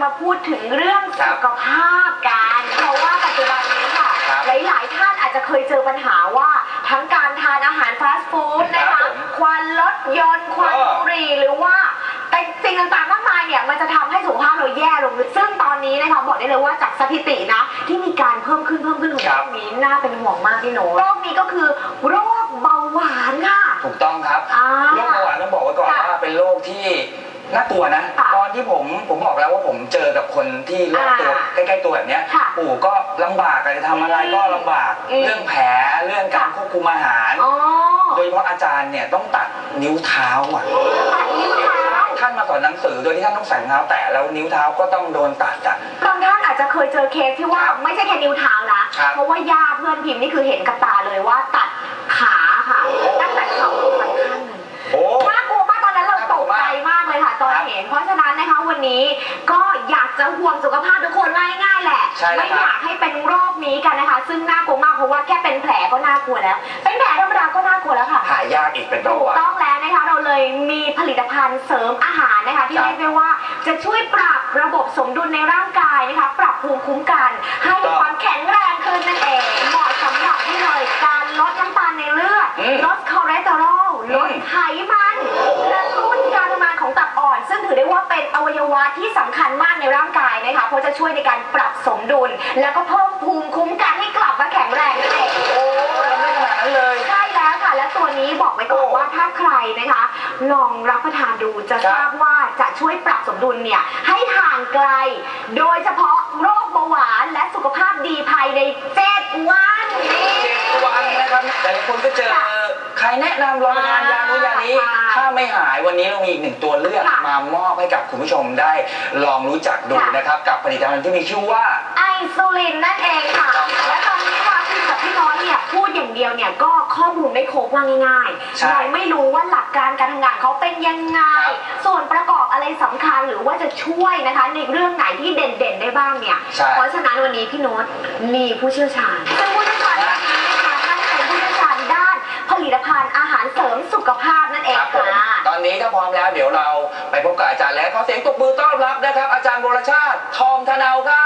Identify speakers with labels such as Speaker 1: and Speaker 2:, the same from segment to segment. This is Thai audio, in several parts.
Speaker 1: มาพูดถึงเรื่องสุขภาพกันเพราะว่าปัจจุบันนี้ค่ะหลายๆท่านอาจจะเคยเจอปัญหาว่าทั้งการทานอาหารฟาสต์ฟู้ดนะคะควันรถยนต์ควันบุหรี่หรือว่าแต่สิ่งต่างๆมากมายเนี่ยมันจะทำให้สุขภาพเราแย่ลงซึ่งตอนนี้นะคะบอกได้เลยว่าจากสถิตินะที่มีการเพิ่มขึ้นของโรคนี้น่าเป็นห่วงมากพี่โน้ตโรคนี้ก็คือโรคเบาหวานค่ะ
Speaker 2: ถูกต้องครับโรคเบาหวานต้องบอกไว้ก่อนว่าเป็นโรคที่น่ากลัวนะตอนที่ผมบอกแล้วว่าผมเจอกับคนที่รอบตัวใกล้ๆตัวแบบนี้ปู่ก็ลำบากจะทำอะไรก็ลำบากเรื่องแผลเรื่องการควบคุมอาหารโดยเฉพาะอาจารย์เนี่ยต้องตัดนิ้วเท้าท่านมาสอนหนังสือโดยที่ท่านต้องใส่รองเท้าแตะแล้วนิ้วเท้าก็ต้องโดนตัด
Speaker 1: บางท่านอาจจะเคยเจอเคสที่ว่าไม่ใช่แค่นิ้วเท้านะเพราะว่าญาติเพื่อนพิมพ์นี่คือเห็นกับตาเลยว่าตัดขาค่ะตั้งแต่เข่าไปข้างหนึ่งน่ากลัวมากตอนนั้นเราตกใจมากเลยค่ะตอนเห็นเพราะฉะนั้นนะคะวันนี้ก็อยากจะห่วงสุขภาพทุกคนง่ายๆแหละไม่อยากให้เป็นโรคนี้กันนะคะซึ่งน่ากลัวมากเพราะว่าแค่เป็นแผลก็น่ากลัวแล้วเป็นแผลธรรมดาก็น่ากลัวแล้วค่ะ
Speaker 2: หายากอีกเป็น
Speaker 1: ถูกต้องแล้วนะคะเราเลยมีผลิตภัณฑ์เสริมอาหารนะคะที่เรียกได้ว่าจะช่วยปรับระบบสมดุลในร่างกายนะคะปรับภูมิคุ้มกันให้ความแข็งแรงขึ้นนั่นเองเหมาะสำหรับที่เลยการลดน้ำตาลในเลือดลดคอเลสเตอรอลลดไขมันกระตุ้นการทำงานของตับอ่อนซึ่งถือได้ว่าเป็นอวัยวะที่สำคัญมากในร่างกายนะคะเพราะจะช่วยในการปรับสมดุลแล้วก็เพิ่มภูมิคุ้มกันให้กลับมาแข็งแรงนั่นเอง
Speaker 2: ไม่ขนาดนั้นเลย
Speaker 1: ใช่แล้วค่ะและตัวนี้บอกไว้ก่อนว่าถ้าใครนะคะลองรับประทานดูจะทราบว่าจะช่วยปรับสมดุลเนี่ยให้ห่างไกลโดยเฉพาะโรคเบาหวานและสุขภาพดีภายใน7 วัน
Speaker 2: 7 วันนะครับแต่ละคนก็เจอใครแนะนำลองทานยาโน้นยานี้ถ้าไม่หายวันนี้เรามีอีก1 ตัวเลือกมามอบให้กับคุณผู้ชมได้ลองรู้จักดูนะครับกับผลิตภัณฑ์ที่มีชื่อว่า
Speaker 1: ไอซูลินนั่นเองค่ะและตอนนี้ค่ะพี่กับพี่น้อยเนี่ยพูดอย่างเดียวเนี่ยก็ข้อมูลไม่ครบว่าง่ายๆเราไม่รู้ว่าหลักการการทำงานเขาเป็นยังไงส่วนประกอบอะไรสำคัญหรือว่าจะช่วยนะคะในเรื่องไหนที่เด่นๆได้บ้างเนี่ยเพราะฉะนั้นวันนี้พี่โน้ตมีผู้เชี่ยวชาญซึ่งผู้เชี่ยวชาญนี้นะคะท่านเป็นผู้เชี่ยวชาญด้านผลิตภัณฑ์อาหารเสริมสุขภาพนั่นเองค่ะ
Speaker 2: ตอนนี้ถ้าพร้อมแล้วเดี๋ยวเราไปพบกับอาจารย์แล้วขอเสียงตบมือต้อนรับนะครับอาจารย์วรชาติทองธนาวครับ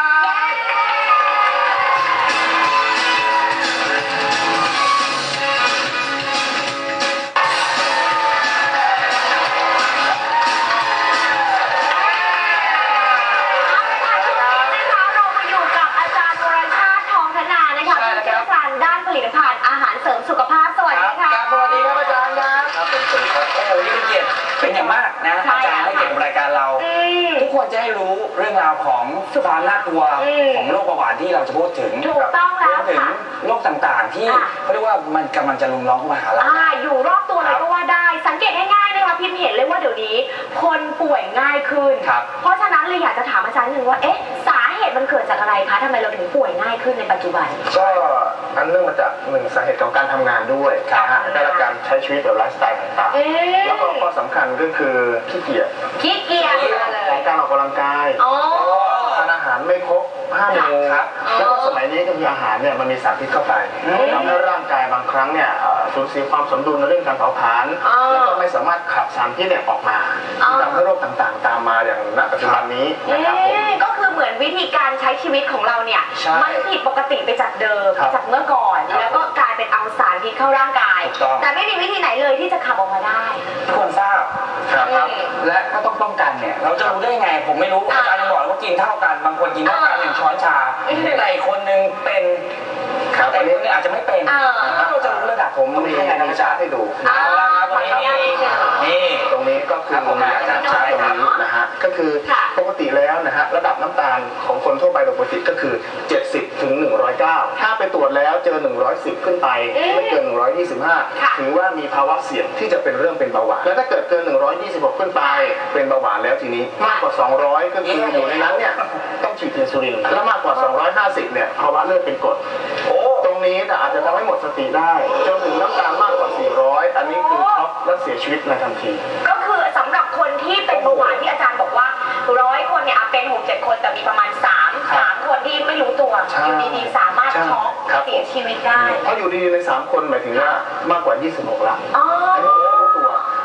Speaker 1: ผลิตภัณฑ์อาหารเสริมสุขภาพสวัสดีค่ะ
Speaker 2: สวัสดีครับอาจารย์ครับเป็นสวัสดีครับโอ้โหนี่เป็นเกียรติเป็นอย่างมากนะอาจารย์ให้เกียรติกับรายการเราทุกคนจะได้รู้เรื่องราวของความน่ากลัวของโรคเบาหวานที่เราจะพูดถึง
Speaker 1: ถูกต้องแล้ว
Speaker 2: ถึงโรคต่างๆที่เขาเรียกว่ามันกำลังจะลุมล้อมเข้ามาหาเรา
Speaker 1: อยู่รอบตัวเลยก็ว่าได้สังเกตง่ายๆนะคะพิมเห็นเลยว่าเดี๋ยวนี้คนป่วยง่ายขึ้นเพราะฉะนั้นเลยอยากจะถามอาจารย์หนึ่งว่าสาเหตุมันเกิดจากอะไรคะทำไมเราถึงป่วยง่ายขึ้นในปัจจุบัน
Speaker 3: ก็อันเนื่องมาจาก1 สาเหตุของการทำงานด้วยและการใช้ชีวิตแบบไลฟ์สไตล์ต่างๆแล้วก็ข้อสำคัญก็คือขี้เกียจของการออกกำลังกายทานอาหารไม่ครบ5 หมู่แล้วก็สมัยนี้ก็คืออาหารเนี่ยมันมีสารพิษเข้าไปทำให้ร่างกายบางครั้งเนี่ยสูญเสียความสมดุลในเรื่องการเผาผลาญแล้วก็ไม่สามารถขับสารพิษเนี่ยออกมาทำให้โรคต่างๆตามมาอย่างณปัจจุบันนี้นะครับ
Speaker 1: ก็คือเหมือนวิธีการใช้ชีวิตของเราเนี่ยมันผิดปกติไปจากเดิมจากเมื่อก่อนแล้วก็กลายเป็นเอาสารพิษเข้าร่างกายแต่ไม่มีวิธีไหนเลยที่จะขับออกมาได้
Speaker 2: ทุกคนทราบครับและก็ต้องป้องกันเนี่ยเราจะรู้ได้ไงผมไม่รู้อาจารย์ยังบอกว่ากินเท่ากันบางคนกินเท่ากัน1 ช้อนชาแต่คนนึงเป็นแต่คนนึงอาจจะไม่เป็นเราจะรู้ระดับ
Speaker 3: ผมมีธรรมชาติให้ดู
Speaker 2: นี่
Speaker 3: ตรงนี้ก็คือผมอยากจะใช้ตรงนี้นะฮะก็คือปกติแล้วนะฮะระดับน้ำตาลของคนทั่วไปโดยปกติก็คือ70 ถึง 109ถ้าไปตรวจแล้วเจอ110ขึ้นไปไม่เกิน125ถือว่ามีภาวะเสี่ยงที่จะเป็นเรื่องเป็นเบาหวานแล้วถ้าเกิดเกิน126ขึ้นไปเป็นเบาหวานแล้วทีนี้มากกว่า200ก็คืออยู่ในนั้นเนี่ยต้องฉีดอินซูลินและมากกว่า250เนี่ยภาวะเลือดเป็นกรดตรงนี้อาจจะทำให้หมดสติได้จนถึงน้ำตาลมากกว่า400อันนี้คือช็อกและเสียชีวิตในทันที
Speaker 1: ก็คือสำหรับคนที่เป็นเบาหวานที่อาจารย์บอกว่า100 คนเนี่ยเป็น6-7 คนแต่มีประมาณ3 คนที่ไม่รู้ตัวอยู่ดีๆสามารถช็อกเสียชีวิตได้
Speaker 3: เพราะอยู่ดีๆใน3 คนหมายถึงว่ามากกว่า26ละอันนี้ไม่รู้ตัว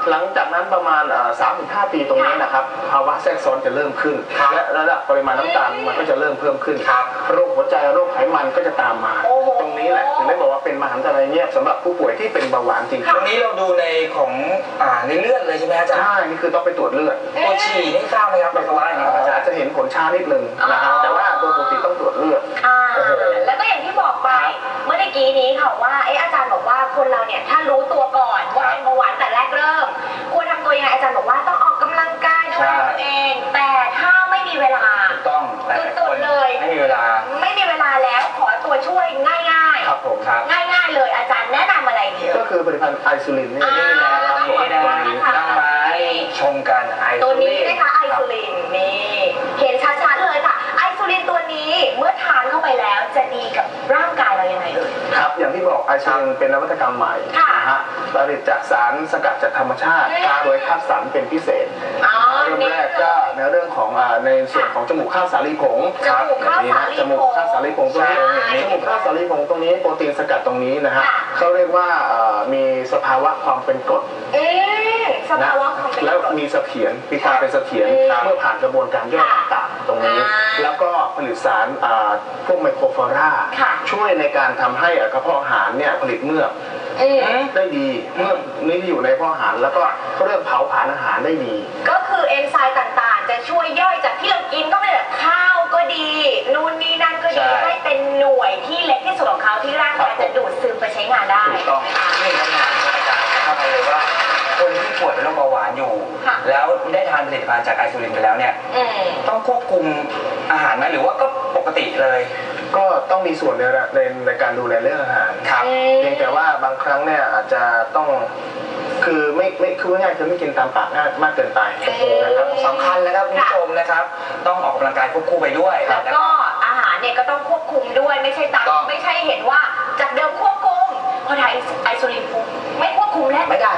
Speaker 3: หลังจากนั้นประมาณ3-5 ปีตรงนี้นะครับภาวะแทรกซ้อนจะเริ่มขึ้นและระดับปริมาณน้ำตาลมันก็จะเริ่มเพิ่มขึ้นโรคหัวใจโรคไขมันก็จะตามมาตรงนี้แหละถึงได้บอกว่าเป็นมหันตภัยเงียบสำหรับผู้ป่วยที่เป็นเบาหวานจริงๆ
Speaker 2: ตรงนี้เราดูในของในเลือดเลยใช่ไหมอาจารย์
Speaker 3: ใช่นี่คือต้องไปตรวจเลือด
Speaker 2: ตัวฉี่นี่ทราบไหมครับเป็นว่าอะไรครับอาจารย์
Speaker 3: จะเห็นผลช้านิดนึงนะครับแต่ว่าโดยปกติต้องตรวจเลือด
Speaker 1: แล้วก็อย่างที่บอกไปเมื่อกี้นี้ค่ะว่าอาจารย์บอกว่าคนเราเนี่ยถ้ารู้ตัวก่อนว่าเป็นเบาหวานแต่แรกเริ่มควรทำตัวยังไงอาจารย์บอกว่าต้องออกกำลังกายดูแลตัวเองแต่ถ้าไม่มีเวลา
Speaker 2: ถูกต้องแต่
Speaker 1: ตุดๆเลย
Speaker 2: ไม่มีเวลา
Speaker 1: แล้วขอตัวช่วยง่ายๆ
Speaker 3: ครับผมครับ
Speaker 1: ง่ายๆเลยอาจารย์แนะนำอะไรดี
Speaker 3: ก็คือผลิตภัณฑ์ไอซูลินนี่
Speaker 2: นี่นะครับผมได้น้ำไม้ชงกันไอ
Speaker 1: ตัวนี้นะคะไอซูลินนี่เห็นชัดๆเลยค่ะไอซูลินตัวนี้เมื่อทานเข้าไปแล้วจะดีกับร่างกายเรายังไงเอ่ย
Speaker 3: ครับอย่างที่บอกไอซูลินเป็นนวัตกรรมใหม่นะฮะผลิตจากสารสกัดจากธรรมชาติโดยคัดสรรเป็นพิเศษเริ่มแรกก็ในเรื่องของในส่วนของจมูกข้าวสาลีผงจมูกข้าวสาลีผงตรงนี้จมูกข้าวสาลีผงตรงนี้โปรตีนสกัดตรงนี้นะฮะเขาเรียกว่ามีสภาวะความเป็นกรดนะแล้วมีเสถียรมีความเป็นเสถียรเมื่อผ่านกระบวนการย่อยต่างๆตรงนี้แล้วก็ผลิตสารพวกไมโครฟลอราช่วยในการทำให้กระเพาะอาหารเนี่ยผลิตเมือกได้ดีเมือกนี้อยู่ในกระเพาะอาหารแล้วก็เขาเริ่มเผาผลาญอาหารได้ดี
Speaker 1: ก็คือเอนไซม์ต่างๆจะช่วยย่อยจากที่เรากินก็ไม่แบบข้าวก็ดีนู่นนี่นั่นก็ดีให้เป็นหน่วยที่เล็กที่สุดของเขาที่ร่างกายจะดูดซึมไปใช้งานได้
Speaker 2: ถูกต้องนี่คำถามอาจารย์เข้าไปเลยว่าคนที่ป่วยเป็นโรคเบาหวานอยู่แล้วได้ทานผลิตภัณฑ์จากไอซูลินไปแล้วเนี่ยต้องควบคุมอาหารไหมหรือว่าก็ปกติเลย
Speaker 3: ก็ต้องมีส่วนในการดูแลเรื่องอาหาร
Speaker 2: ครับ
Speaker 3: เพียงแต่ว่าบางครั้งเนี่ยอาจจะต้องคือไม่คือง่ายคือไม่กินตามปากมากเกินไป
Speaker 2: นะครับสำคัญนะครับคุณผู้ชมนะครับต้องออกกำลังกายควบคู่ไปด้วย
Speaker 1: แล้วก็อาหารเนี่ยก็ต้องควบคุมด้วยไม่ใช่ตามไม่ใช่เห็นว่าจากเดิมควบคุมพอทานไอซูลินปุ๊บไม่ควบคุมแล้ว
Speaker 2: ไม่ได้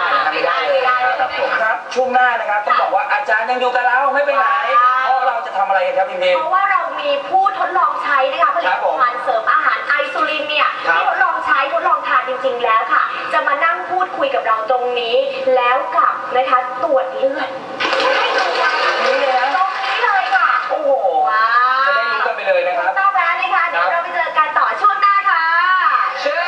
Speaker 2: ครับช่วงหน้านะครับต้องบอกว่าอาจารย์ยังอยู่กับเราไม่ไปไหนเพราะเราจะทำอะไรกันครับพี่เมย์
Speaker 1: เพราะว่าเรามีผู้ทดลองใช้นะคะผลิตภัณฑ์เสริมอาหารไอซูลินเนี่ยที่ทดลองใช้ทดลองทานจริงๆแล้วค่ะจะมานั่งพูดคุยกับเราตรงนี้แล้วกับนะคะตรวจเลือดให้ดูกันตรงนี้เลยค่ะ
Speaker 2: โอ้โหจะได้รู้กันไปเลยนะครับ
Speaker 1: ต้องแล้วนะคะเดี๋ยวเราไปเจอกันต่อช่วงหน้าค่ะ
Speaker 2: เชิญ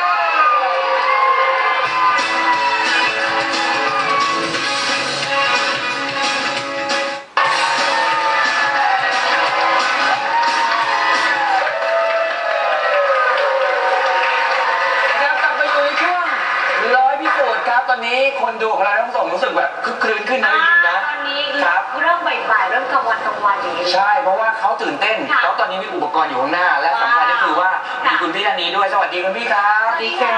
Speaker 2: ตอนนี้คนดูของเราทั้งสองรู้สึกแบบคึกคืนขึ้นนะจริงๆนะ
Speaker 1: ตอนนี้เริ่มบ่ายๆเริ่มกลางวันอย่างนี้
Speaker 2: ใช่เพราะว่าเขาตื่นเต้นเพราะตอนนี้มีอุปกรณ์อยู่ข้างหน้าและสำคัญก็คือว่ามีคุณพี่ท่านนี้ด้วยสวัสดีคุณพี่ครับ
Speaker 1: สวัสดีค่ะ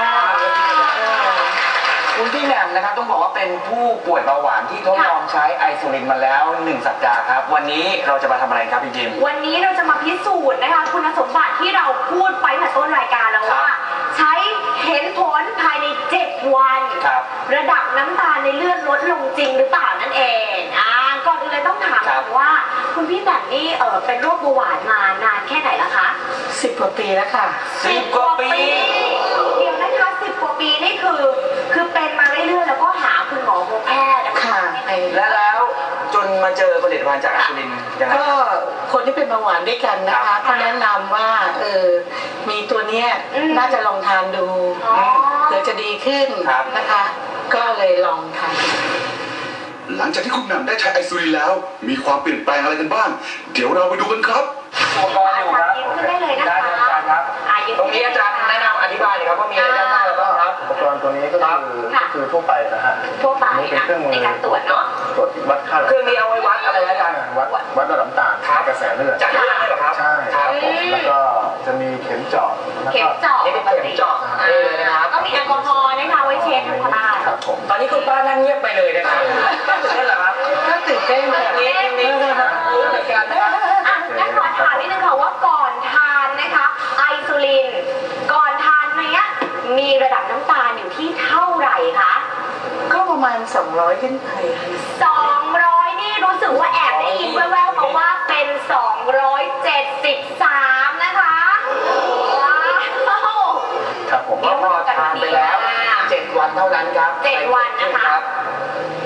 Speaker 2: คุณพี่แหม่มนะครับต้องบอกว่าเป็นผู้ป่วยเบาหวานที่ทดลองใช้ไอซูลินมาแล้ว1 สัปดาห์ครับวันนี้เราจะมาทำอะไรครับพี่จิม
Speaker 1: วันนี้เราจะมาพิสูจน์นะคะคุณสมบัติที่เราพูดไปตั้งแต่ต้นรายการแล้วว่าใช้เห็นผลภายใน7 วันระดับน้ำตาลในเลือดลดลงจริงหรือเปล่านั่นเองก่อนอื่นเลยต้องถามก่อนว่าคุณพี่แหม่มนี่เป็นโรคเบาหวานมานานแค่ไหนแล้วคะ
Speaker 4: 10 กว่าปีแล้วค่ะ
Speaker 2: 10 กว่าปี
Speaker 1: เดี๋ยวนะคะ10 กว่าปีนี่คือเป็นมาเรื่อยๆแล้วก็หาคุณหมอพบแพทย์
Speaker 4: ค่ะ
Speaker 2: แล้วจนมาเจอผลิตภัณฑ์จากไอซูลินยังไง
Speaker 4: ก็คนที่เป็นเบาหวานด้วยกันนะคะเขาแนะนำว่ามีตัวเนี้ยน่าจะลองทานดูเผื่อจะดีขึ้นนะคะก็เลยลองทาน
Speaker 5: หลังจากที่คุณแหม่มได้ใช้ไอซูลินแล้วมีความเปลี่ยนแปลงอะไรกันบ้างเดี๋ยวเราไปดูกันครับ
Speaker 2: อุปกรณ์อยู่ครับ
Speaker 1: ได้เลยนะคะ
Speaker 2: ครับตรงนี้อาจารย์แนะนำอธิบายหน่อยครับว่ามีอะไรบ้างแล้วก็ครับ
Speaker 3: อุปกรณ์ตัวนี้ก็คือทั่วไปนะฮะ
Speaker 1: ทั่วไป
Speaker 3: นี่เป็นเครื่องมือ
Speaker 1: ในการตรวจเนาะ
Speaker 3: ตรวจวัดค่า
Speaker 2: เครื่องนี้เอาไว้วัดอะไรอาจารย์
Speaker 3: วัดระดับน้ำตาลกระแสเลือด
Speaker 2: จากเลือดได้หรอครับ
Speaker 3: ใช่ครับผมแล้วก็จะมีเข็มเจาะ
Speaker 2: นี่เป็นเข็มเจาะเลยนะครับ
Speaker 1: ก็มีแอลกอฮอล์นะคะไว้เช็คทำความสะอาด
Speaker 3: ครับผม
Speaker 2: ตอนนี้คุณป้านั่งเงียบไปเลยนะครับตื่นเต้นเหรอครับ
Speaker 4: ตื่นเต้นแบบ
Speaker 2: นี้รายการนะครับ
Speaker 1: งั้นขอถามนิดนึงค่ะว่าก่อนทานนะคะไอซูลินก่อนทานเนี้ยมีระดับน้ำตาลอยู่ที่เท่าไหร่คะ
Speaker 4: ก็ประมาณ200ขึ้นไป
Speaker 1: 200นี่รู้สึกว่าแอบได้ยินแว่วๆมาว่าเป็น273นะคะว้าว
Speaker 3: ครับผม
Speaker 2: ก็พอทานไปแล้ว7 วันเท่านั้นครับ
Speaker 1: 7 วันนะคะ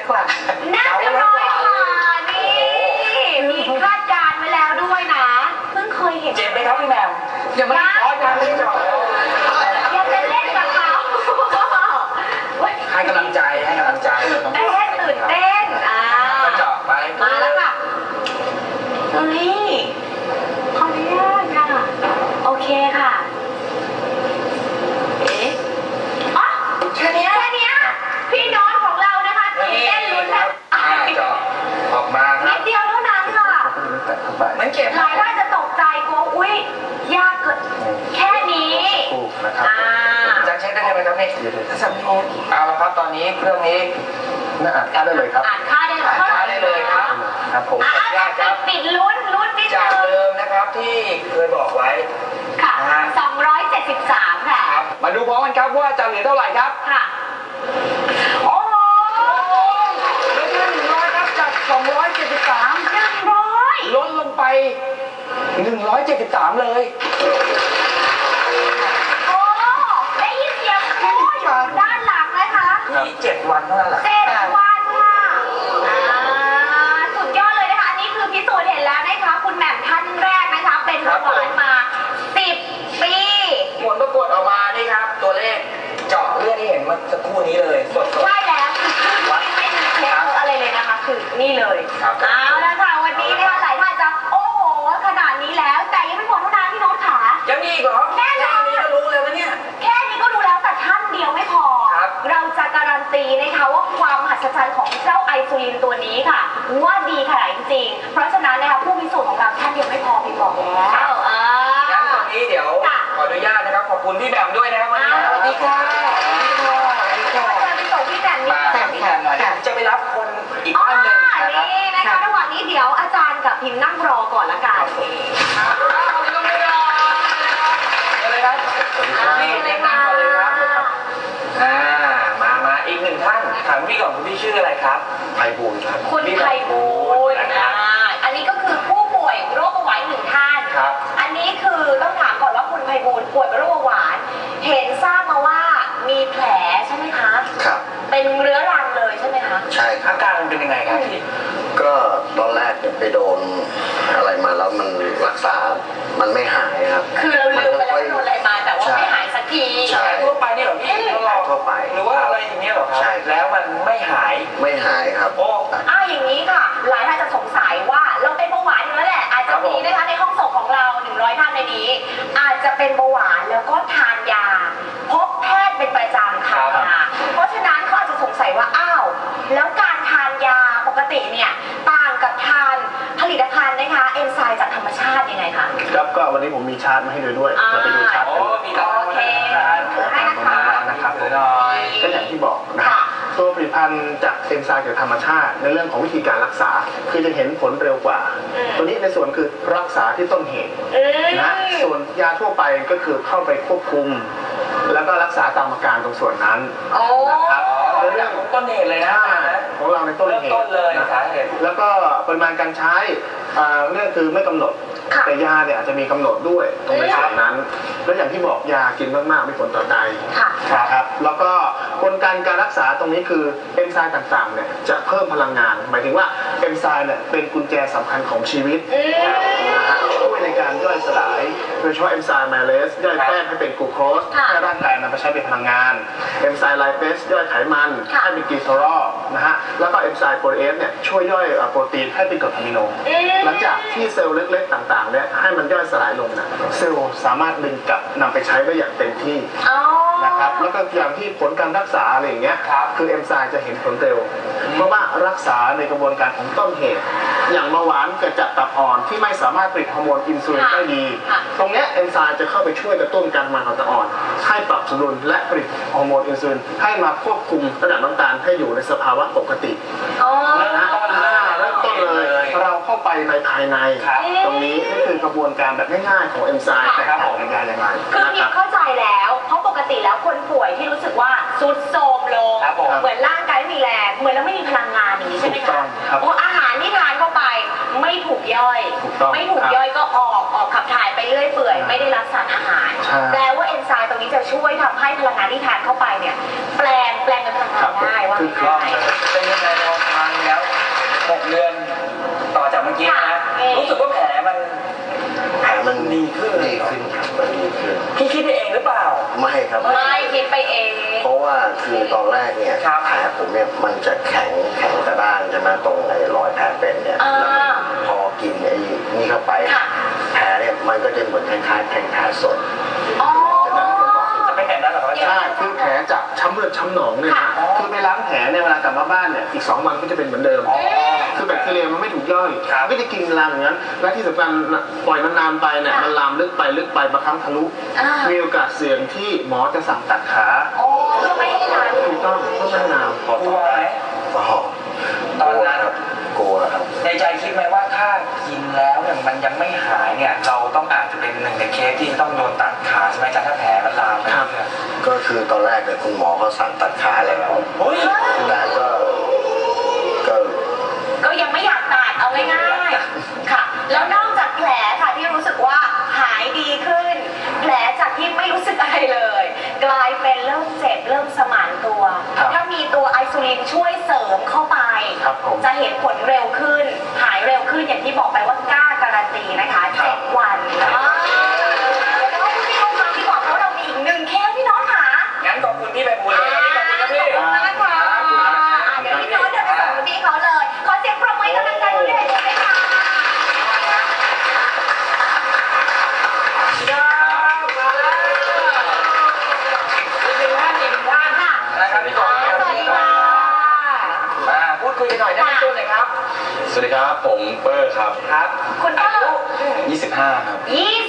Speaker 4: กว่า
Speaker 1: น่าจะร้อยกว่านี่มีคาดการณ์ไว้แล้วด้วยนะเพิ่งเคยเห็น
Speaker 2: เจ็บไหมครับพี่แหม่ม
Speaker 4: อย่ามา
Speaker 2: อ๋อยังไม่เจาะ
Speaker 1: ยังจะเล่นกับเขา
Speaker 2: ให้กำลังใจให้กำลังใจ
Speaker 1: ตื่นเต้น
Speaker 2: ก็เจาะไป
Speaker 1: มาแล้วค่ะเฮ้ยขออนุญาตค่ะโอเคค่ะเอ๊ะอ๋อแค่เนี้ยพี่น้องของเรานะคะตื่นเต้นลุ้นนะ
Speaker 2: เจาะออกมาค
Speaker 1: นิ
Speaker 2: รับ
Speaker 1: ดเดียวเท่านั้นค่ะ
Speaker 2: มันเจ็บ
Speaker 1: หลายท่านจะตกใจกลัวอุ๊ยยากเกินแค่นี้
Speaker 3: ถูกนะครับ
Speaker 2: จะเช็คได้ไหมครับนี่เอาละครับตอนนี้เครื่องนี้
Speaker 3: น่าอ่านค่าได้เลยครับ
Speaker 1: อ่านค่าได้เลย
Speaker 2: ช้าได้เลยครับ
Speaker 3: ครับผม
Speaker 1: ปิดลุ้นนิด
Speaker 2: จาก
Speaker 1: นึง
Speaker 2: เดิมนะครับที่เคยบอกไว้
Speaker 1: ค่ะ273ค่ะ
Speaker 2: ครับมาดูพร้อมกันครับว่าจะเหลือเท่าไหร่ครับ
Speaker 1: ค่ะ โอ้โห
Speaker 2: เหลือแค่100ครับจาก273
Speaker 1: 100
Speaker 2: ลดลงไป173เลย
Speaker 1: โอ้ได้ยินเสียงโอ้อยู่ด้านหลังนะคะ
Speaker 2: มี7 วันเท่านั้นแหละ
Speaker 1: 7 วันค่ะสุดยอดเลยนะคะ อันนี้คือพิสูจน์เห็นแล้วนะคะ คุณแหม่มท่านแรกนะคะ เป็นเบาหวานมา10 ปี
Speaker 2: ผลปรากฏออกมานี่ครับ ตัวเลขเจาะเลือดที่เห็นเมื่อสักครู่นี้เลยสด
Speaker 1: ใช่แล้วคือไม่มีเทคอะไรเลยนะคะ คือนี่เลย
Speaker 2: ครับ
Speaker 1: เอาละค่ะวันนี้นะคะหลายท่านจะโอ้โหขนาดนี้แล้ว แต่ยังไม่หมดเท่านั้นพี่โน้ตขา
Speaker 2: ๆยังมีอีกเหรอ
Speaker 1: แน่นอน
Speaker 2: แค่นี้ก็รู้เลยว่าเนี่ย
Speaker 1: แค่นี้ก็ดูแล้วแต่ท่านเดียวไม่พอ
Speaker 2: ครับ
Speaker 1: เราจะการันตีนะคะว่าความมหัศจรรย์ของเจ้าไอซูลินตัวนี้ค่ะ ว่าดีขนาดจริงๆเพราะฉะนั้นนะคะผู้พิสูจน์ของเราท่านเดียวไม่พอพี่บอกแล้ว
Speaker 2: งั้นตอนนี้เดี๋ยวขออนุญาตนะครับขอบคุณพี่แหม่มด้วยนะครับวันนี้
Speaker 4: สวัสดีค่ะสวัสดีค่ะสวัสดีค่ะ
Speaker 1: เชิญไปส่งพี่แหม่มนี่
Speaker 2: มาพี่แหม่มหน่อยจะไปรับคนอีก
Speaker 1: อ๋อ
Speaker 2: ท่านหนึ่งนะครับ
Speaker 1: นี่นะคะระหว่างนี้เดี๋ยวอาจารย์กับพิมพ์นั่งรอก่อนละกัน
Speaker 2: ก็ไม่รอเลยครับนี่เรียนนั่งก่อนเลยครับมาอีกหนึ่งท่านถามพี่ก่อนคุณพี่ชื่ออะไรครับ
Speaker 3: ไพบูลย์ครับ
Speaker 1: คุณไพบูลย์อันนี้ก็คือผู้ป่วยโรคเบาหวานหนึ่งท่าน
Speaker 2: ครับ
Speaker 1: อันนี้คือต้องถามก่อนว่าคุณไพบูลย์ป่วยเป็นโรคเบาหวาน เห็นทราบมาว่ามีแผลใช่ไหมคะ
Speaker 6: ครับ
Speaker 1: เป็นเรื้อรังเลยใช่ไหมคะ
Speaker 6: ใช่ครั
Speaker 2: อา
Speaker 6: บ
Speaker 2: การมันเป็นยังไงครับพี่
Speaker 6: ก็ตอนแรกเนี่ยไปโดนอะไรมาแล้วมันรักษา มันไม่หายครับ
Speaker 1: คือเราลืมไปแล้วว่าโดนอะไรมาแต่ว่าไม่หายสักที
Speaker 6: ใช่
Speaker 2: ทั่วไปนี่เหรอพี่
Speaker 6: ทั่วไป
Speaker 2: หรือว่าอะไรอย่างเงี้ยเหรอครับ
Speaker 6: ใช่
Speaker 2: แล้วมันไม่หาย
Speaker 6: ไม่หายครับ
Speaker 2: โอ้
Speaker 1: อย่างนี้ค่ะ หลายท่านจะสงสัยว่าเราเป็นเบาหวานอยู่แล้วแหละ อาจจะมีนะคะในห้องส่งของเรา100ท่านในนี้ อาจจะเป็นเบาหวานแล้วก็ทานยา พบแพทย์เป็นประจำค่ะ เพราะฉะนั้นเขาอาจจะสงสัยว่าอ้าวแล้วการทานยาปกติเนี่ยต่างกับทานผลิตภัณฑ์นะคะเอนไซม์จากธรรมชาติยังไงคะ
Speaker 3: ครับก็วันนี้ผมมีชาร์ตมาให้ดูด้วยเราไปดูชาร์ต
Speaker 2: โอ้
Speaker 3: กัน
Speaker 2: มีร้าน
Speaker 1: โอเค
Speaker 2: ให้นะคะนะครับผมหน่อย
Speaker 3: ก็อย่างที่บอกนะฮะตัวผลิตภัณฑ์จากเอนไซม์จากธรรมชาติ ในเรื่องของวิธีการรักษา คือจะเห็นผลเร็วกว่า ตัวนี้ในส่วนคือรักษาที่ต้นเหตุนะส่วนยาทั่วไปก็คือเข้าไปควบคุม แล้วก็รักษาตามอาการตรงส่วนนั้น
Speaker 1: โอ้
Speaker 3: นะครับ
Speaker 2: เรื่องของต้นเหตุเลยนะ
Speaker 3: ของเราในต้น
Speaker 2: เริ่ม
Speaker 3: เหตุ
Speaker 2: ต้นเลย
Speaker 3: นะ
Speaker 2: สาเหตุ
Speaker 3: แล้วก็ปริมาณการใช้เรื่องคือไม่กำหนด แต่ยาเนี่ยอาจจะมีกำหนดด้วยตรงในส่วนนั้น แล้วอย่างที่บอกยากินมากๆมีผลต่อไต
Speaker 1: ค่ะ
Speaker 3: นะครับแล้วก็กลไกการรักษาตรงนี้คือเอนไซม์ต่างๆเนี่ยจะเพิ่มพลังงาน หมายถึงว่าเอนไซม์เนี่ยเป็นกุญแจสำคัญของชีวิตนะฮะช่วยในการย่อยสลายโดยเฉพาะเอนไซม์ไมเลสย่อยแป้งให้เป็นกลูโคสให้ร่างกายนำไปใช้เป็นพลังงานเอนไซม์ไลเปสย่อยไขมันให้เป็นกลีเซอรอลนะฮะแล้วก็เอนไซม์โปรตีนเนี่ยช่วยย่อยโปรตีนให้เป็นกรดอะมิโนหลังจากที่เซลล์เล็กๆต่างๆเนี่ยให้มันย่อยสลายลงนะเซลล์สามารถดึงกลับนำไปใช้ได้อย่างเต็มที่นะครับแล้วก็อย่างที่ผลการรักษาอะไรอย่างเงี้ยคือเอนไซม์จะเห็นผลเร็วเพราะว่ารักษาในกระบวนการของต้นเหตุ อย่างเบาหวานเกิดจากตับอ่อนที่ไม่สามารถผลิตฮอร์โมนอินซูลินได้ดี ตรงเนี้ยเอนไซม์จะเข้าไปช่วยกระตุ้นการทำงานของตับอ่อนให้ปรับสมดุลและผลิตฮอร์โมนอินซูลินให้มาควบคุมระดับน้ำตาลให้อยู่ในสภาวะปกตินะเริ่มต้นเลยเราเข้าไปในภายในตรงนี้นี่คือกระบวนการแบบง่ายๆของเอนไซม์แตกต่างกันอย่างไร
Speaker 1: คือ
Speaker 3: นะ
Speaker 1: พิ
Speaker 3: ครั
Speaker 1: ม
Speaker 3: บ
Speaker 1: เข้าใจแล้ว เพราะปกติแล้วคนป่วยที่รู้สึกว่าซุดโทรมลง เหมือนร่างกายไม่มีแรงเหมือนเราไม่มีพลังงานอย่างนี้ใช่ไหม
Speaker 3: ถูกต้
Speaker 1: คะ
Speaker 3: องครับ
Speaker 1: โอ้อาหารที่ทานเข้าไปไม่ถูกย่อย
Speaker 3: ถูกต้อง
Speaker 1: ไม่ถูกย่อยก็ออกขับถ่ายไปเรื่อยเปื่อยไม่ได้รับสารอาหาร
Speaker 3: ใช่
Speaker 1: แปลว่าเอนไซม์ตรงนี้จะช่วยทำให้พลังงานที่ทานเข้าไปเนี่ยแปลงเป็นพลังงานได้ว่า
Speaker 3: คือ
Speaker 1: ง่าย
Speaker 2: เป็นยังไงเรา
Speaker 6: ไม่ครับ
Speaker 1: ไม่คิดไปเอง
Speaker 6: เพราะว่าคือตอนแรกเนี่ย
Speaker 2: ครับ
Speaker 6: แผลผมเนี่ยมันจะแข็งกระด้างใช่ไหมตรงในรอยแผลเป็นเนี่ย
Speaker 1: อ่า
Speaker 6: แล้วพอกินไอ้นี่เข้าไป
Speaker 1: ค่ะ
Speaker 6: แผลเนี่ยมันก็จะเหมือนคล้ายๆแผลสด
Speaker 1: อ๋อ
Speaker 2: จะไม่เห็นแล้วเหรอครับอาจารย์
Speaker 3: ใช่คือแผลจากช้ำเลือดช้ำหนองเนี่ย
Speaker 1: ค่ะ
Speaker 3: คือไปล้างแผลเนี่ยเวลากลับมาบ้านเนี่ยอีก2 วันก็จะเป็นเหมือนเดิม คือแบคทีเรียมันไม่ถูกย่อย
Speaker 2: ครับ
Speaker 3: ไม่ได้กินลามอย่างนั้นและที่สำคัญปล่อยมันนานไปเนี่ยมันลามลึกไปบางครั้งทะลุ
Speaker 1: อ่ามี
Speaker 3: มีโอกาสเสี่ยงที่หมอจะสั่งตัดขา
Speaker 1: โอ้ก็ไม่ให้นาน
Speaker 3: ถูกต้องก็ไม่นานพอก
Speaker 2: ลัวไหม
Speaker 6: อ๋อ
Speaker 2: ตอนนั้น
Speaker 6: กลัวครับ
Speaker 2: ในใจคิดไหมว่าถ้ากินแล้วเนี่ยมันยังไม่หายเนี่ยเราต้องอาจจะเป็นหนึ่งในเคสที่ต้องโดนตัดขาใช่ไหมอาจารย์ถ้าแผลมันลามไปเรื่อย
Speaker 6: ก็คือตอนแรกเนี่ยคุณหมอเขาสั่งตัดขาแล้ว
Speaker 2: ๆเฮ้ย
Speaker 6: แต่ก็
Speaker 1: ก็ยังไม่อยากตัดเอาง่ายๆค่ะ แล้วนอกจากแผลค่ะที่รู้สึกว่าหายดีขึ้น แผลจากที่ไม่รู้สึกอะไรเลย กลายเป็นเริ่มเจ็บเริ่มสมานตัว
Speaker 3: ครับ
Speaker 1: ถ้ามีตัวไอซูลินช่วยเสริมเข้าไป
Speaker 3: ครับผม
Speaker 1: จะเห็นผลเร็วขึ้น หายเร็วขึ้นอย่างที่บอกไปว่ากล้าการันตีนะคะ7 วันแล้วพี่น้องคะดีกว่าเพราะเรามีอีก1 เคสพี่น้องค่ะ
Speaker 2: งั้นขอบคุณพี่ใบบุญเลยขอบคุณครับพี่
Speaker 1: ขอบคุณมากค่ะเดี๋ยวพี่โน้ตเดินไปส่งพี่เขาเลย ขอเสียงปรบมือให้กำลังใจคุณพี่ด้วยค่ะ
Speaker 2: นะครับพี่
Speaker 1: ส
Speaker 2: ต่อ
Speaker 1: วัสดีค่ะ
Speaker 2: มาพูดคุยกันหน่อยได้ไหมต้นเลยครับ
Speaker 7: สวัสดีครับ ผมเปอร์ครับ
Speaker 2: ครับ
Speaker 1: คุณพ่อ
Speaker 7: 25 ครับ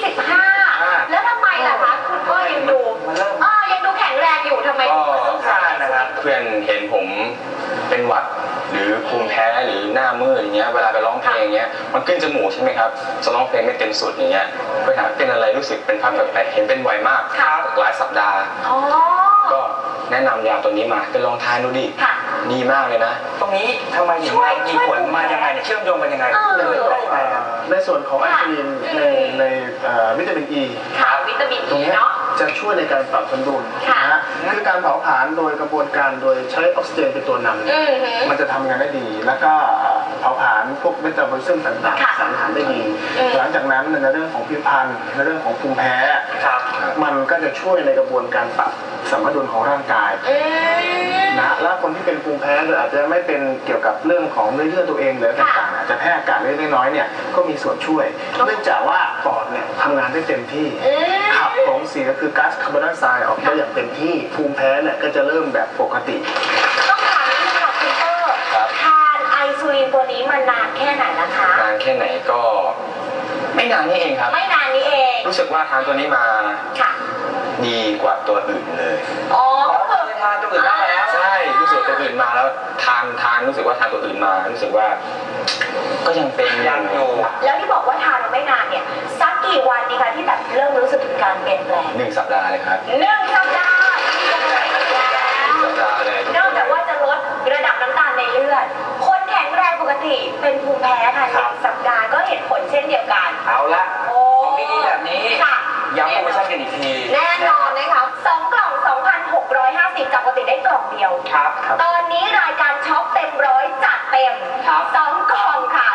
Speaker 1: 25 แล้วทำไมล่ะคะ คุณพ่อยังดู
Speaker 2: มันเริ่ม
Speaker 1: ยังดูแข็งแรงอยู่ทำไม
Speaker 7: ก็
Speaker 2: ต้องการนะครับ
Speaker 7: เพื่อนเห็นผมเป็นหวัดหรือภูมิแพ้หรือหน้ามืดอย่างเงี้ยเวลาไปร้องเพลงอย่างเงี้ยมันขึ้นจมูกใช่ไหมครับจะร้องเพลงไม่เต็มสุดอย่างเงี้ยไปหาเป็นอะไรรู้สึกเป็นภาพแปลกๆเห็นเป็นไวมาก
Speaker 1: ค่ะ
Speaker 7: หลายสัปดาห์
Speaker 1: อ๋อ
Speaker 7: ก็แนะนำยาตัวนี้มาไปลองทานดูดิ
Speaker 1: ค่ะ
Speaker 7: ดีมากเลยนะ
Speaker 2: ตรงนี้ทำไมถึงมีผลมายังไงเนี่ยเชื่อมโยงกันยังไง
Speaker 1: เออ
Speaker 2: ได้ยังไงครับ
Speaker 3: ในส่วนของไอซูลินในวิตามินอี
Speaker 1: ค่ะวิตามิน
Speaker 3: ตรง
Speaker 1: อี
Speaker 3: เนี้ย
Speaker 1: เนาะ
Speaker 3: จะช่วยในการปรับสมดุล
Speaker 1: ค่ะ
Speaker 3: นะฮะคือการเผาผลาญโดยกระบวนการโดยใช้ออกซิเจนเป็นตัวนำเนี่ย
Speaker 1: อือหือ
Speaker 3: มันจะทำงานได้ดี แล้วก็เผาผลาญพวกเมตาบอลิซึมต่าง
Speaker 1: ค่ะ
Speaker 3: ๆสารอาหารได้ดี หลังจากนั้นในเรื่องของผิวพรรณในเรื่องของภูมิแพ้
Speaker 2: ครับ
Speaker 3: มันก็จะช่วยในกระบวนการปรับสมดุลของร่างกาย
Speaker 1: อืม
Speaker 3: นะแล้วคนที่เป็นภูมิแพ้หรืออาจจะไม่เป็นเกี่ยวกับเรื่องของเลือดตัวเองหรืออะไรต่างๆอาจจะแพ้อากาศเล็กๆน้อยๆเนี่ยก็มีส่วนช่วย เนื่องจากว่าปอดเนี่ยทำงานได้เต็มที่ ขับของเสียคือก๊าซคาร์บอนไดออกไซด์ออกได้อย่างเต็มที่ภูมิแพ้เนี่ยก็จะเริ่มแบบปกติ
Speaker 1: ต้องถามนิดนึงค่ะคุณเตอร์
Speaker 7: ครับ
Speaker 1: ทานไอซูลินตัวนี้มานานแค่ไหนนะคะ
Speaker 7: นานแค่ไหนก็ไม่นานนี่เองครับ
Speaker 1: ไม่นานนี้เอง
Speaker 7: รู้สึกว่าทานตัวนี้มา
Speaker 1: ค่ะ
Speaker 7: ดีกว่าตัวอื่นเลย
Speaker 1: อ๋อ
Speaker 2: อ๋อ
Speaker 1: ก็
Speaker 2: เค
Speaker 1: คือย
Speaker 2: ทานตัวอื่นบ้างแล้ว
Speaker 7: ใช่รู้สึกตัวอื่นมาแล้วทานรู้สึกว่าทานตัวอื่นมารู้สึกว่า ก็ยังเป็น
Speaker 2: ยังอยู่
Speaker 1: แล้วที่บอกว่าทานมาไม่นานเนี่ยสักกี่วันดีคะที่แบบเริ่มรู้สึกถึงการเปลี่ยนแปลง
Speaker 7: 1 สัปดาห์เลยครับ
Speaker 1: 1 สัปดาห์ที่จะไปแล้ว
Speaker 7: 1 สัปดาห์เลย
Speaker 1: นอกจากว่าจะลดระดับน้ำตาลในเลือด คนแข็งแรงปกติเป็นภูมิแพ้ค่ะ
Speaker 2: ครับ
Speaker 1: 1 สัปดาห์ก็เห็นผลเช่นเดียวกัน
Speaker 2: เอาละ
Speaker 1: โอ้
Speaker 2: ของดีๆแบบนี้
Speaker 1: ค่ะ
Speaker 2: ย้ำโปรโมชั่นกันอีกที
Speaker 1: แน่นอนนะคะ2 กล่อง 2,650 จากปกติได้กล่องเดียว
Speaker 2: ครับ
Speaker 1: ตอนนี้รายการช็อปเต็มร้อยจัดเต็ม
Speaker 2: ครับ
Speaker 1: 2 กล่องค่ะ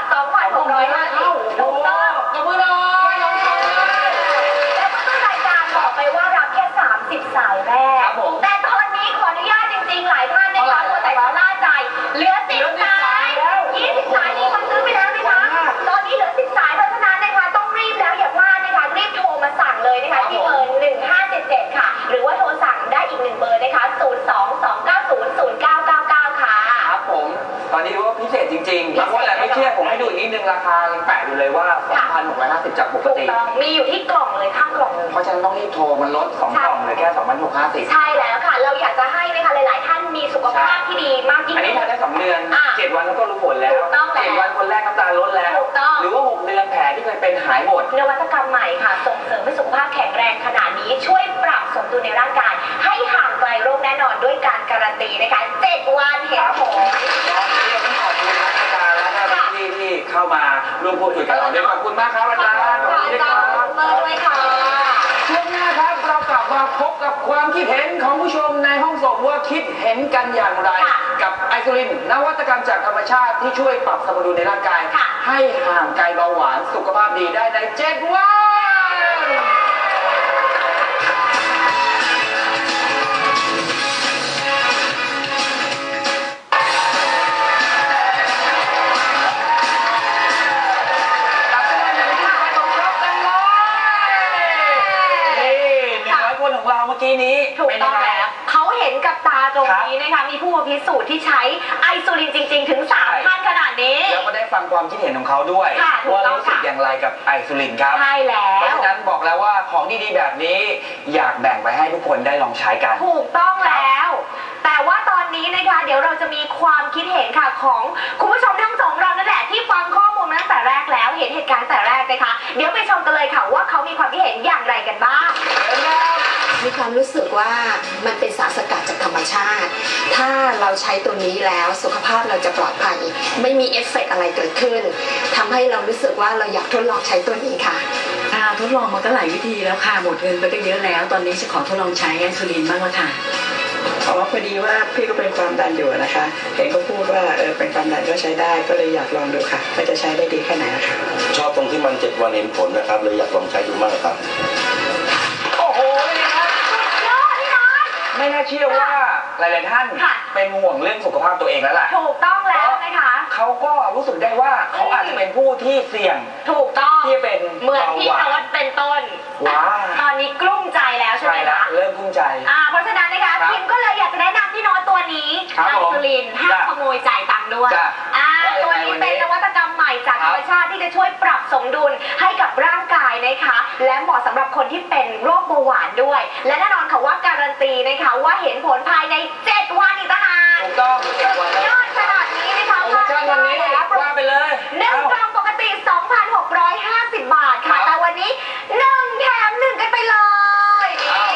Speaker 1: 2,650ถูกต้อง
Speaker 4: ขอบคุณน้อยน้องชาย
Speaker 1: แล้วก็รายการบอกไปว่ารับแค่ 30 สายแรก
Speaker 2: ครับผม
Speaker 1: แต่ตอนนี้ขออนุญาตจริงๆ หลายท่านนะคะตัวแต่ละล่าใจ เหลือ 10 สาย 20 สายนี้คนซื้อไปแล้วนะคะ ตอนนี้เหลือ 10 สายเพราะฉะนั้นนะคะต้องรีบแล้วอย่าพลาดนะคะ รีบโทรมาสั่งเลยนะคะที่เบอร์ 1577 ค่ะ หรือว่าโทรสั่งได้อีก1 เบอร์นะคะ 022900999 ค่ะ
Speaker 2: ครับผม ตอนนี้รู้ว่าพิเศษจริงๆบางคนอาจไม่เชื่อผมให้ดูอีกนิดนึงราคายังแปะอยู่เลยว่า 2,650 จากปก
Speaker 1: ถูก
Speaker 2: ติ
Speaker 1: ต้องมีอยู่ที่กล่องเลยข้างกล่องเลย
Speaker 2: เพราะฉะนั้นต้องรีบโทรมันลด 2 กล่องเหลยแค่ 2,650
Speaker 1: ใช่แล้วค่ะ เราอยากจะให้นะคะหลายๆ ท่านมีสุขภาพที่ดีมากยิ่ง
Speaker 2: อันนี้
Speaker 1: ขึ้
Speaker 2: ทาน
Speaker 1: น
Speaker 2: ได้2 เดือน
Speaker 1: อ่ะ
Speaker 2: 7 วันแล้วก็รู้ผลแล้ว
Speaker 1: ถูกต้องแล้ว
Speaker 2: 7 วันคนแรกน้ำตาลลดแล้ว
Speaker 1: ถูกต้อง
Speaker 2: หรือว่า 6 เดือนแผลที่เคยเป็นหายหมด
Speaker 1: นวัตกรรมใหม่ค่ะ ส่งเสริมให้สุขภาพแข็งแรงขนาดนี้ช่วยปรับสมดุลในร่างกาย ให้ห่างไกลโรคแน่นอนด้วยการการันตีนะคะ 7 วันเห็นผล
Speaker 2: ตอนนี้เราต้องขอบคุณอาจารย์และก็พี่ที่เข้ามาร่วมพูดคุยกับเราด้วยขอบคุณมากครับอาจารย์
Speaker 1: ขอบคุณค่ะอาจารย์เบอร์ด้วยค่ะ
Speaker 2: ช่วงหน้าครับเรากลับมาพบกับความคิดเห็นของผู้ชมในห้องส่งว่าคิดเห็นกันอย่างไร
Speaker 1: ค่ะ
Speaker 2: กับไอซูลินนวัตกรรมจากธรรมชาติที่ช่วยปรับสมดุลในร่างกาย
Speaker 1: ค่ะ
Speaker 2: ให้ห่างไกลเบาหวานสุขภาพดีได้ใน7 วัน
Speaker 1: ตรงนี้นะคะมีผู้พิสูจน์ที่ใช้ไอซูลินจริงๆถึง3ท่านขนาดนี้
Speaker 2: แล้วก็ได้ฟังความคิดเห็นของเขาด้วยว่ารู้สึกอย่างไรกับไอซูลินครับ
Speaker 1: ใช่แล้ว
Speaker 2: เพราะฉะนั้นบอกแล้วว่าของดีๆแบบนี้อยากแบ่งไปให้ทุกคนได้ลองใช้กัน
Speaker 1: ถูกต้องแล้วแต่ว่าตอนนี้นะคะเดี๋ยวเราจะมีความคิดเห็นค่ะของคุณผู้ชมทั้งสองเรานั่นแหละที่ฟังข้อมูลมาตั้งแต่แรกแล้วเห็นเหตุการณ์แต่แรกนะคะเดี๋ยวไปชมกันเลยค่ะว่าเขามีความคิดเห็นอย่างไรกันบ้าง
Speaker 8: มีความรู้สึกว่ามันเป็นสารสกัดจากธรรมชาติถ้าเราใช้ตัวนี้แล้วสุขภาพเราจะปลอดภัยไม่มีเอฟเฟกต์อะไรเกิดขึ้นทำให้เรารู้สึกว่าเราอยากทดลองใช้ตัวนี้ค่ะ
Speaker 9: ทดลองมาก็หลายวิธีแล้วค่ะหมดเงินไปก็เยอะแล้วตอนนี้จะขอทดลองใช้ไอซูลินบ้างละค่ะ
Speaker 10: พอดีว่าพี่ก็เป็นความดันอยู่นะคะเห็นเขาพูดว่าเป็นความดันก็ใช้ได้ก็เลยอยากลองดูค่ะว่าจะใช้ได้ดีแค่ไหนนะคะ
Speaker 6: ชอบตรงที่มัน7 วันเห็นผลนะครับเลยอยากลองใช้ดูมากครับ
Speaker 2: โอ้โหนี่ครับไม่น่าเชื่อว่าหลายๆท่านเป็นห่วงเรื่องสุขภาพตัวเองแล้วล่ะ
Speaker 1: ถูกต้องแล้วนะคะ
Speaker 2: เขาก็รู้สึกได้ว่าเขาอาจจะเป็นผู้ที่เสี่ยง
Speaker 1: ถูกต้อง
Speaker 2: ที่เป็น
Speaker 1: เหมือนพี่โน้ตเป็นต้นตอนนี้กลุ้มใจแล้วใช่ไหมคะ
Speaker 2: เริ่มกลุ้มใจ
Speaker 1: เพราะฉะนั้นนะคะพิมก็เลยอยากจะแนะนำพี่โน้ตตัวนี้ไอซูลินห้ามขโมยจ่ายตังค์ด้วยตัวนี้เป็นนวัตกรรมใหม่จากธรรมชาติที่จะช่วยปรับสมดุลให้กับร่างกายนะคะและเหมาะสำหรับคนที่เป็นโรคเบาหวานด้วยและแน่นอนค่ะว่าการันตีนะคะว่าเห็นผลภายใน7 วันอีกต่างหาก
Speaker 2: ถูกต้อง7 วัน
Speaker 1: ยอดขนาดนี้นะคะ
Speaker 2: โปรโมชั่นวันนี้ว่าไปเลย
Speaker 1: 1 กล่องปกติ 2,650 บาทค่ะแต่วันนี้1 แถม 1กันไปเลย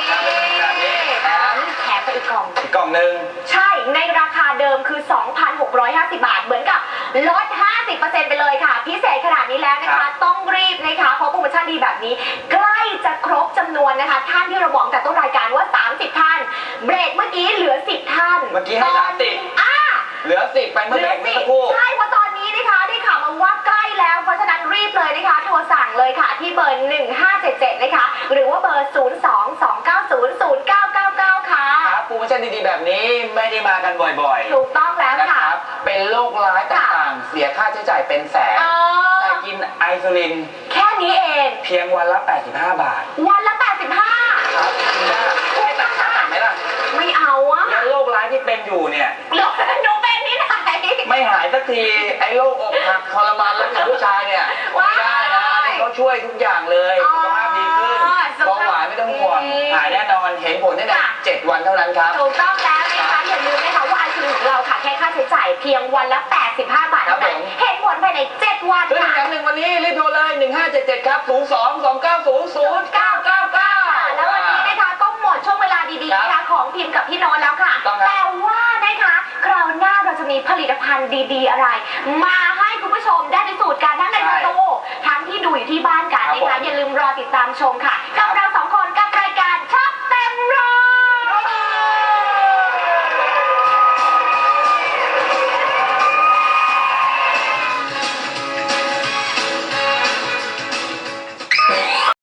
Speaker 1: แถมไปอีกกล่อง
Speaker 2: นึง
Speaker 1: ใช่ในราคาเดิมคือ 2,650 บาทเหมือนกับลด 50% ไปเลยค่ะพิเศษขนาดนี้แล้วนะคะต้องรีบนะคะเพราะโปรโมชั่นดีแบบนี้ใกล้จะครบจำนวนนะคะท่านที่เราบอกแต่ต้นรายการว่า30ท่านเบรกเมื่อกี้เหลือ10ท่าน
Speaker 2: เมื่อกี้ให้30เหลือ10ไปเมื่อเบรกเมื่อสักครู่
Speaker 1: ใช่เพราะตอนนี้นะคะได้ข่าวมาว่าใกล้แล้วเพราะฉะนั้นรีบเลยนะคะโทรสั่งเลยค่ะที่เบอร์1577นะคะหรือว่าเบอร์022900999ค่ะ
Speaker 2: โปรโมชั่นดีๆแบบนี้ไม่ได้มากันบ่อย
Speaker 1: ๆถูกต้องแล้วค่ะ
Speaker 2: เป็นโรคร้ายต่างๆเสียค่าใช้จ่ายเป็นแสนแต่กินไอซูลิน
Speaker 1: แค่นี้เอง
Speaker 2: เพียงวันละ85 บาท
Speaker 1: วันละ85
Speaker 2: ครับคุณแม่ไม่ตัดขาตัดไหมล่ะ
Speaker 1: ไม่เอาอะ
Speaker 2: แล้วโรคร้ายที่เป็นอยู่เนี่ย
Speaker 1: หนูเป็นที่ไหน
Speaker 2: ไม่หายสักทีไอ้โรคอกหักทรมานแล้วกับผู้ชายเนี่ยไม่ได้นะเขาช่วยทุกอย่างเลยสุขภาพดีขึ้นเบาหวานไม่ต้องห่วงหายแน่นอนเห็นผลได้ใน7 วันเท่านั้นครับ
Speaker 1: ถูกต้องแล้วนะคะอย่าลืมนะคะว่าไอซูลินของเราค่ะแค่ค่าใช้จ่ายเพียงวันละ85 บาทเท่านั้นเห็นผลภายใน7 วัน
Speaker 2: ค่ะแถม1วันนี้รีบโทรเลย1577ครับ0229000999
Speaker 1: แล้ววันนี้นะคะก็หมดช่วงเวลาดีๆนะคะของพิมพ์กับพี่โน้ตแล้วค่ะแต่ว่านะคะคราวหน้าเราจะมีผลิตภัณฑ์ดีๆอะไรมาให้คุณผู้ชมได้พิสูจน์กันทั้งในสตูทั้งที่ดูอยู่ที่บ้านกันนะคะอย่าลืมรอติดตามชมค่ะกับเรา